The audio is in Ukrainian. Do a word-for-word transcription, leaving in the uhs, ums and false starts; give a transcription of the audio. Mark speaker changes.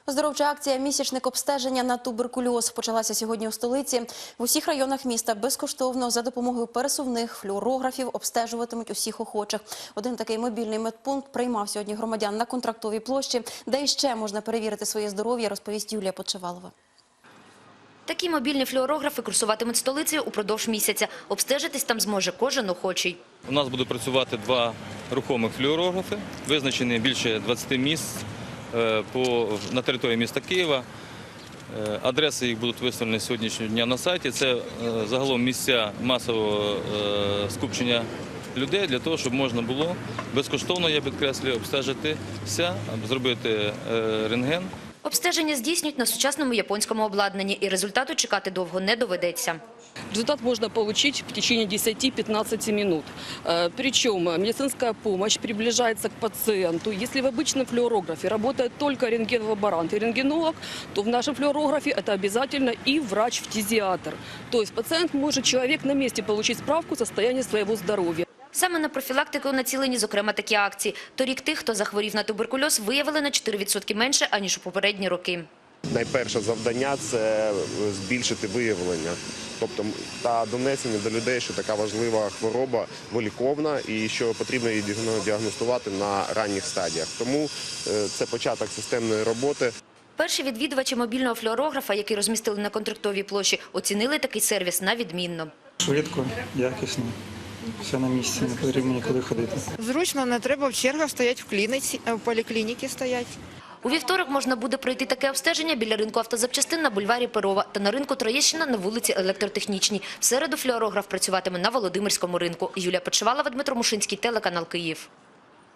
Speaker 1: Оздоровча акція «Місячник обстеження на туберкульоз» почалася сьогодні у столиці. В усіх районах міста безкоштовно за допомогою пересувних флюорографів обстежуватимуть усіх охочих. Один такий мобільний медпункт приймав сьогодні громадян на Контрактовій площі. Де іще можна перевірити своє здоров'я, розповість Юлія Подшивалова.
Speaker 2: Такі мобільні флюорографи курсуватимуть столицею упродовж місяця. Обстежитись там зможе кожен охочий.
Speaker 3: У нас буде працювати два рухомих флюорографи, визначені більше двадцяти місць по, на території міста Києва. Адреси їх будуть виставлені сьогоднішнього дня на сайті. Це загалом місця масового скупчення людей для того, щоб можна було безкоштовно, я підкреслюю, обстежитися, зробити рентген.
Speaker 2: Обстеження здійснюють на сучасному японському обладнанні, і результату чекати довго не доведеться.
Speaker 4: Результат можно получить в течение десяти-пятнадцати минут. Причем медицинская помощь приближается к пациенту. Если в обычном флюорографе работает только рентген-лаборант и рентгенолог, то в нашем флюорографе это обязательно и врач-фтизиатр. То есть пациент может, человек на месте, получить справку о состоянии своего здоровья.
Speaker 2: Саме на профілактику націлені, зокрема, такі акції. Торік тих, хто захворів на туберкульоз, виявили на чотири відсотки менше, аніж у попередні роки.
Speaker 5: Найперше завдання – це збільшити виявлення, тобто та донесення до людей, що така важлива хвороба виліковна і що потрібно її діагностувати на ранніх стадіях. Тому це початок системної роботи.
Speaker 2: Перші відвідувачі мобільного флюорографа, який розмістили на Контрактовій площі, оцінили такий сервіс на відмінно.
Speaker 6: Швидко, якісно. Все на місці, не потрібно нікуди ходити.
Speaker 7: Зручно, не треба в чергах стояти в клініці, в поліклініці стояти.
Speaker 2: У вівторок можна буде пройти таке обстеження біля ринку автозапчастин на бульварі Перова та на ринку Троєщина на вулиці Електротехнічній. В середу флюорограф працюватиме на Володимирському ринку. Юлія Подшивалова, Дмитро Мушинський, телеканал Київ.